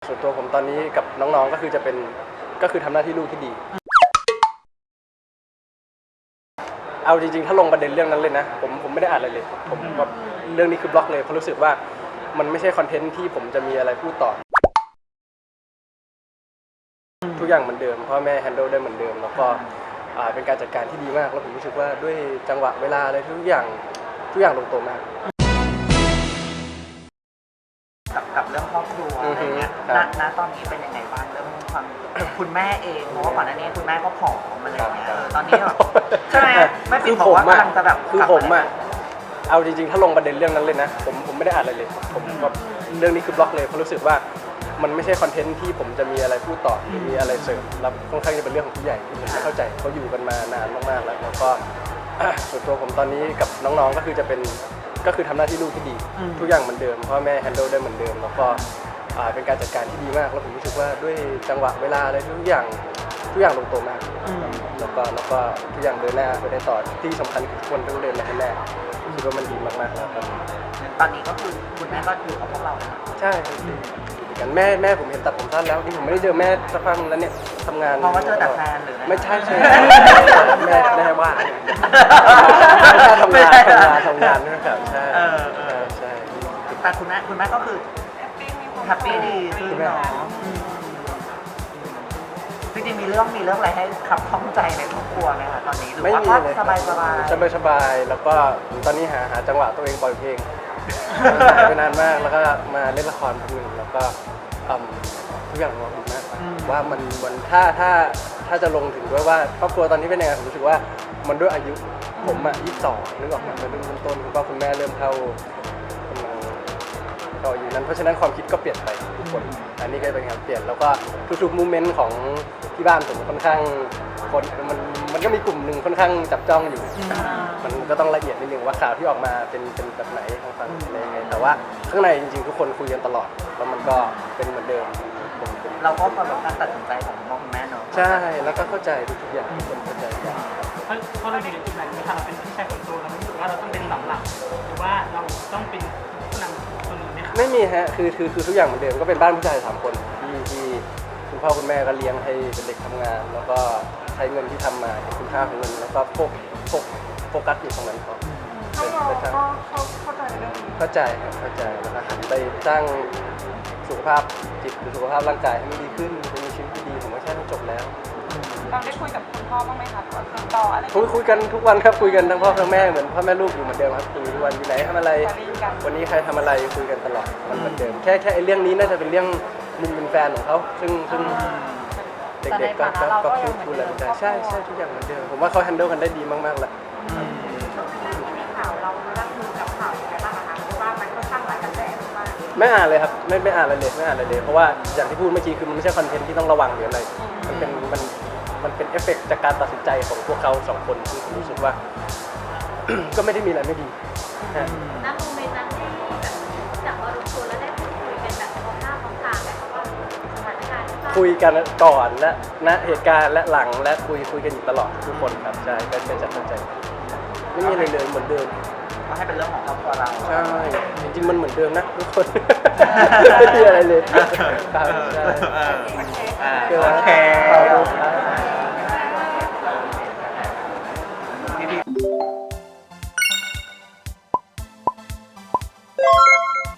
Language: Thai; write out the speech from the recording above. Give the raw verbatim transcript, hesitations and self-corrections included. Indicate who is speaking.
Speaker 1: ส่วนตัวผมตอนนี้กับน้องๆก็คือจะเป็นก็คือทำหน้าที่ลูกที่ดีเอาจริงๆถ้าลงประเด็นเรื่องนั้นเลยนะผมผมไม่ได้อ่านอะไรเลยผมแบบเรื่องนี้คือบล็อกเลยเพราะรู้สึกว่ามันไม่ใช่คอนเทนต์ที่ผมจะมีอะไรพูดต่อทุกอย่างเหมือนเดิมพ่อแม่แฮนด์ลได้เหมือนเดิมแล้วก็เป็นการจัดการที่ดีมากแล้วผมรู้สึกว่าด้วยจังหวะเวลาอะไรทุกอย่างทุกอย่างลงตัวมาก
Speaker 2: กับกับเรื่องครอบครัวอะไรเงี้ยณณตอนนี้เป็นยังไงบ้างเรื่องความคุณแม่เองเพราะว่าก่อนหน้านี้คุณแม่ก็ผอมอะไรเงี้ยตอนนี้ใช่ไหมไม่ปิดบอกว่ากำลังจะแบบ
Speaker 1: คือผมอะเอาจริงๆถ้าลงประเด็นเรื่องนั้นเลยนะผมผมไม่ได้อ่านอะไรเลยผมแบบเรื่องนี้คือบล็อกเลยเพราะรู้สึกว่ามันไม่ใช่คอนเทนต์ที่ผมจะมีอะไรพูดต่อหรือมีอะไรเสริมแล้วค่อนข้างจะเป็นเรื่องของผู้ใหญ่ที่ผมไม่เข้าใจเขาอยู่กันมานานมากๆแล้วแล้วก็ส่วนตัวผมตอนนี้กับน้องๆก็คือจะเป็นก็คือทำหน้าที่ลูกที่ดีทุกอย่างเหมือนเดิมพ่อแม่แฮนด์ลได้เหมือนเดิมแล้วก็เป็นการจัดการที่ดีมากแล้วผมรู้สึกว่าด้วยจังหวะเวลาอะไรทุกอย่างทุกอย่างลงตัวมากแล้วก็แล้วก็ทุกอย่างเดินหน้าไปได้ต่อที่สำคัญคือทุกคนต้องเดินมาให้แน่คิดว่ามันดีมากๆแล้วครับ
Speaker 2: ตอนนี้ก็คือคุณแม่ก็อยู่กับพวกเรา
Speaker 1: ใช่กันแม่แม่ผมเห็นตัดผมสั้นแล้วที่ผมไม่ได้เจอแม่สักพักแล้วเนี่ยทำงาน
Speaker 2: เพราะว่าเจอแต่แฟนหรือ
Speaker 1: ไม่ใช่ใช่แม่แม่ว่าไม่ใช่ทำงานทำงานทำงานนะครับใช่ใช่
Speaker 2: แต่คุณแม่คุณแม่ก็คือแฮปปี้ดีขึ้นเนาะจริงๆมีเรื่องมีเรื่องอะไรให้ขับข้องใจในครอบครัวไหมคะตอนนี้หรือว่าสบายสบาย
Speaker 1: สบายสบายแล้วก็ตอนนี้หาหาจังหวะตัวเองปล่อยเพลงไปนานมากแล้วก็มาเล่นละครพักหนึ่งแล้วก็ทุกอย่างลงดีมากว่ามันมันถ้าถ้าถ้าจะลงถึงด้วยว่าครอบครัวตอนนี้เป็นยังไงผมรู้สึกว่ามันด้วยอายุผมอ่ะยี่สิบสองนึกออกมาเป็นรุ่นต้นคุณพ่อคุณแม่เริ่มเข้ากำลังเข้าอยู่นั้นเพราะฉะนั้นความคิดก็เปลี่ยนไปทุกคนอันนี้ก็เป็นการเปลี่ยนแล้วก็ทุกๆโมเมนต์ของที่บ้านผมค่อนข้างคนมันมันก็มีกลุ่มหนึ่งค่อนข้างจับจ้องอยู่มันก็ต้องละเอียดนิดนึงว่าข่าวที่ออกมาเป็นเป็นแบบไหนทางฝั่งอะไรยังไงแต่ว่าข้างในจริงๆทุกคนคุยกันตลอดแล้วมันก็เป็นเหมือนเดิม
Speaker 2: เราก็เคารพการตัดสินใจของพ่อคุณแม่เนาะ
Speaker 1: ใช่แล้วก็เข้าใจทุกอย่างทุกคนเข้าใจ
Speaker 3: เพราะเพราะเราอยู่ในจุดนั้นไหมคะเราเป็นพี่ชายคนโตเราไม่รู้สึกว่าเราต้องเป็นหลักหลักหรือว่าเราต้องเป็นผู้นำคนอื่นไหมคะ
Speaker 1: ไม่มีฮะคือคือคือทุกอย่างเหมือนเดิมก็เป็นบ้านผู้ชายสามคนที่ที่คุณพ่อคุณแม่ก็เลี้ยงให้เป็นเด็กทำงานแล้วก็ใช้เงินที่ทำมาเห็นคุณค่าของเงินแล้วก็โฟกโฟกโฟกัสอยู่ตรงนั้นเขา
Speaker 4: เขาเข้าใจเรื่องนี้
Speaker 1: เข้าใจครับเข้าใจแล้วก็หันไปสร้างสุขภาพจิตหรือสุขภาพร่างกายให้มันดีขึ้นจะมีชีวิตที่ดีผมว่าแค่นั้นจบแล้ว
Speaker 4: เราได้คุยกับคุณพ่อบ้างไหมคะว่าติดต่ออะไร
Speaker 1: คุยคุยกันทุกวันครับคุยกันทั้งพ่อทั้งแม่เหมือนพ่อแม่ลูกอยู่เหมือนเดิมครับคุยทุกวันอยู่ไหนทำอะไรวันนี้ใครทำอะไรคุยกันตลอดมันเหมือนเดิมแค่แค่ไอ้เรื่องนี้น่าจะเป็นเรื่องมุมเป็นแฟนของเขาซึ่งซึ่งเด็กๆก็ก็พูดพูดอะไรกันใช่ใช่ทุกอย่างเหมือนเดิมผมว่าเขาแฮนด์ลกันได้ดีมากๆแหละ
Speaker 4: ข่าวเรารับมือกับข่าวยังไงบ้างคะเพราะว่ามันค่อนข้างหลายกระแสมาก
Speaker 1: ไม่อ่านเลยครับไม่ไม่อ่านอะไรเลยไม่อ่านอะไรเลยเพราะว่าอย่างที่พูดเมื่อกี้คือมันไม่ใช่คอนเทนต์ที่ต้องระวังหรืออะไรมันเป็นมันมันเป็นเอฟเฟกต์จากการตัดสินใจของพวกเขาสองคนที่ผมรู้สึกว่า ก็ไม่ได้มีอะไรไม่ดี
Speaker 5: ณโมเมนต์นั้นที่แบบจากว่ารวมตัวแล้วได้พูดคุยกันแบบมองหน้ามองตาไหมคะว่าสถานการณ์
Speaker 1: คุยกันก่อนและณเหตุการณ์และหลังและคุยคุยกันอยู่ตลอดทุกคนครับใช่เป็นเป็นจัดใจไม่มีอะไรเลยเหมือนเดิม
Speaker 2: ก็ให้เป็นเรื่องของครอบครัวเรา
Speaker 1: ใช่จริงๆมันเหมือนเดิมนะทุกคนไม่มีอะไรเลยครับใช่
Speaker 2: โอเค